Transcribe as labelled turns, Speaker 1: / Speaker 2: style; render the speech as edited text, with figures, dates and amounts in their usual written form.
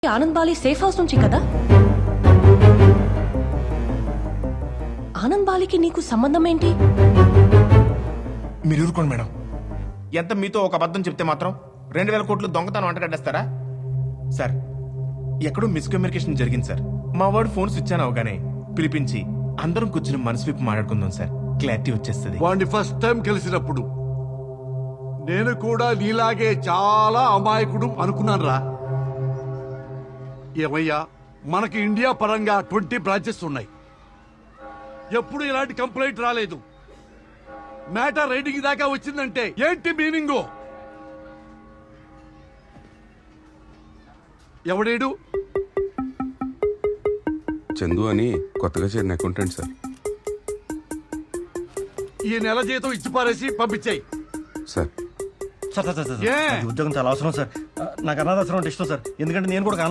Speaker 1: Anand Bali safe house నుంచి కదా? ఆనంద్ బాలికి నీకు సంబంధం ఏంటి?
Speaker 2: మీరు ఊరుకోండి మేడం. ఎంత మీతో ఒక అబద్ధం చెప్తే మాత్రం 2000 కోట్లు దొంగతనం అంటగడ్డేస్తారా? సార్, ఎక్కడో మిస్కమ్యూనికేషన్ జరిగింది సార్. మా వాడు ఫోన్ స్విచ్ ఆన్ అవగానే పిలిపించి అందరం కూర్చుని మనసు విప్పి మాట్లాడుకుందాం సార్. క్లారిటీ వచ్చేస్తుంది.
Speaker 3: వాడిని ఫస్ట్ టైం కలిసినప్పుడు నేను కూడా నీలాగే చాలా అమాయకుడు అనుకున్నాను రా. ఏమయ్యా, మనకి ఇండియా పరంగా 20 బ్రాంచెస్ ఉన్నాయి. ఎప్పుడు ఇలాంటి కంప్లైంట్ రాలేదు. మ్యాటర్ రైడింగ్ దాకా వచ్చిందంటే ఏంటి మీనింగు? ఎవడేడు?
Speaker 4: చందు అని కొత్తగా చేరిన అకౌంటెంట్ సార్.
Speaker 3: ఈ నెల జీతం ఇచ్చి పారేసి పంపించాయి
Speaker 4: sir
Speaker 5: sir sir sir sir,
Speaker 3: ఏ?
Speaker 5: నాకు ఉద్యోగం చాలా అవసరం సార్. నాకు అనాథాశ్రమం అంటే ఇష్టం సార్. ఎందుకంటే నేను కూడా